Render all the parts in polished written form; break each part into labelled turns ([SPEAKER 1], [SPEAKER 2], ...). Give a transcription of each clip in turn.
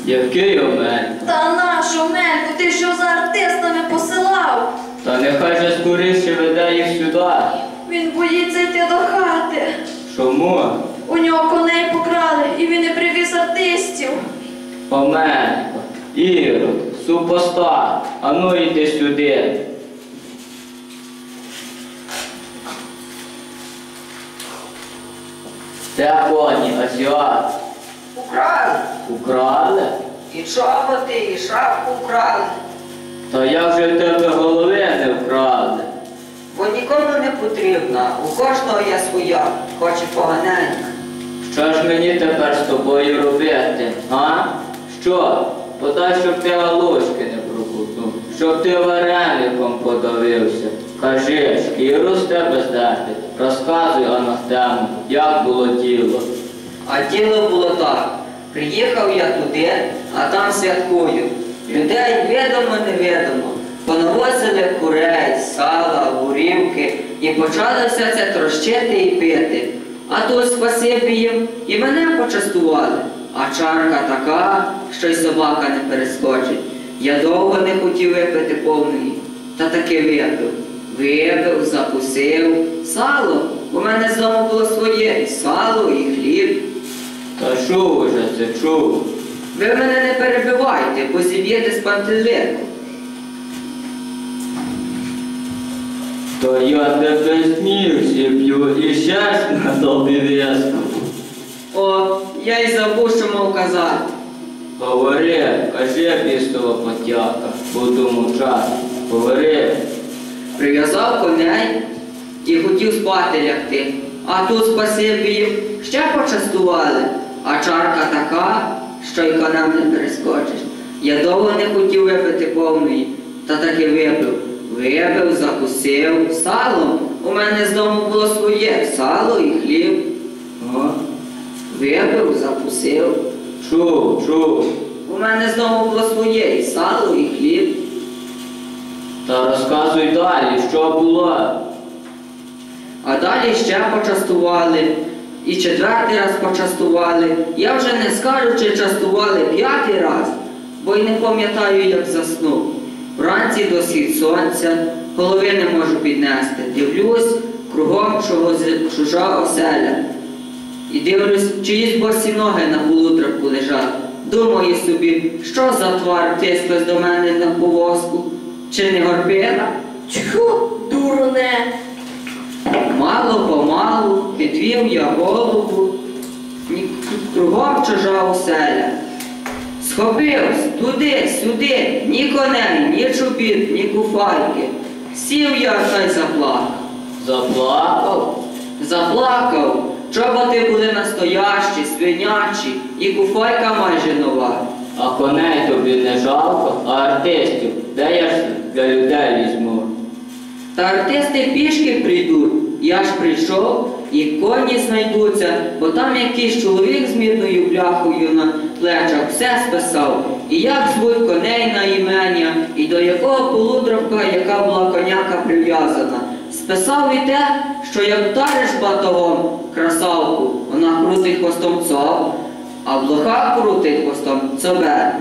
[SPEAKER 1] Який Омелько?
[SPEAKER 2] Та наш Омелько, ти що за артистами посилав?
[SPEAKER 1] Та нехай же скоріше веде їх сюди.
[SPEAKER 2] Він боїться йти до хати.
[SPEAKER 1] Чому?
[SPEAKER 2] У нього коней покрали, і він не привіз артистів.
[SPEAKER 1] Омелько, Ірод, супостат, ану йди сюди. Де коні, азіат?
[SPEAKER 3] Украли.
[SPEAKER 1] Украли?
[SPEAKER 3] І чоботи, і шапку вкрали.
[SPEAKER 1] Та як же в тебе голови не вкрали?
[SPEAKER 3] Бо нікому не потрібна, у кожного є своя, хоч і поганенька.
[SPEAKER 1] Що ж мені тепер з тобою робити, а? Що? Подай, щоб ти галушки не проковтнув, щоб ти вареником подавився. Кажи, шкіру з тебе здерти, розказуй, Анахтему, як було діло.
[SPEAKER 3] А діло було так. Приїхав я туди, а там святкую. Людей відомо-невідомо. Понавозили курей, сала, горівки і почали все це трощити і пити. А тут спасибі їм і мене почастували. А чарка така, що й собака не перескочить. Я довго не хотів випити повної, та таки випив. Випив, закусив. Сало. У мене з дому було своє, і сало, і хліб.
[SPEAKER 1] Та чув уже це, чув.
[SPEAKER 3] Ви мене не перебивайте, бо зіб'єте з пантелику.
[SPEAKER 1] То я тебе з ніг зіб'ю і ще ж на тобі в'язку.
[SPEAKER 3] О, я й забув, що мав казати.
[SPEAKER 1] Говори, кажи, бістова потяка, буду мовчати. Говори.
[SPEAKER 3] Прив'язав коней і хотів спати лягти. А тут спасибі їм ще почастували. А чарка така, що й конем не перескочиш. Я довго не хотів випити повної, та таки випив. Випив, закусив. Сало. У мене з дому було своє. Сало і хліб.
[SPEAKER 1] О,
[SPEAKER 3] Випив, закусив.
[SPEAKER 1] чув, чув.
[SPEAKER 3] У мене з дому було своє. І сало, і хліб.
[SPEAKER 1] Та розказуй далі, що було.
[SPEAKER 3] А далі ще почастували. І четвертий раз почастували. Я вже не скажу, чи частували п'ятий раз, бо й не пам'ятаю, як заснув. Вранці до схід сонця, голови не можу піднести. Дивлюсь, кругом чужа оселя. І дивлюсь, чиїсь босі ноги на полудраку лежать. Думаю собі, що за твар тисклась до мене на повозку? Чи не горбина?
[SPEAKER 2] Тьху, дуроне.
[SPEAKER 3] Мало-помалу підвів я голову, кругом чужа оселя. Схопився туди-сюди, ні коней, ні чобіт, ні куфайки. Сів я та й заплакав.
[SPEAKER 1] Заплакав?
[SPEAKER 3] Заплакав. Чоботи були настоящі, свинячі, і куфайка майже нова.
[SPEAKER 1] А коней тобі не жалко, а артистів де я ж для людей візьму?
[SPEAKER 3] Та артисти пішки прийдуть. Я ж прийшов, і коні знайдуться, бо там якийсь чоловік з мідною бляхою на плечах все списав. І як звуть коней на імення, і до якого полудровка, яка була коняка прив'язана. Списав і те, що як вдариш батогом красавку, вона крутить хвостом цоб, а блоха крутить хвостом цобер.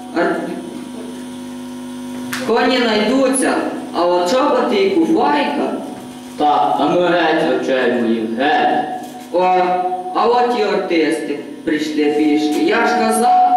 [SPEAKER 3] Коні знайдуться, а от чоботи і куфайка.
[SPEAKER 1] Так, а ну геть очей моїх, геть.
[SPEAKER 3] О, а от і артисти прийшли пішки. Я ж казав,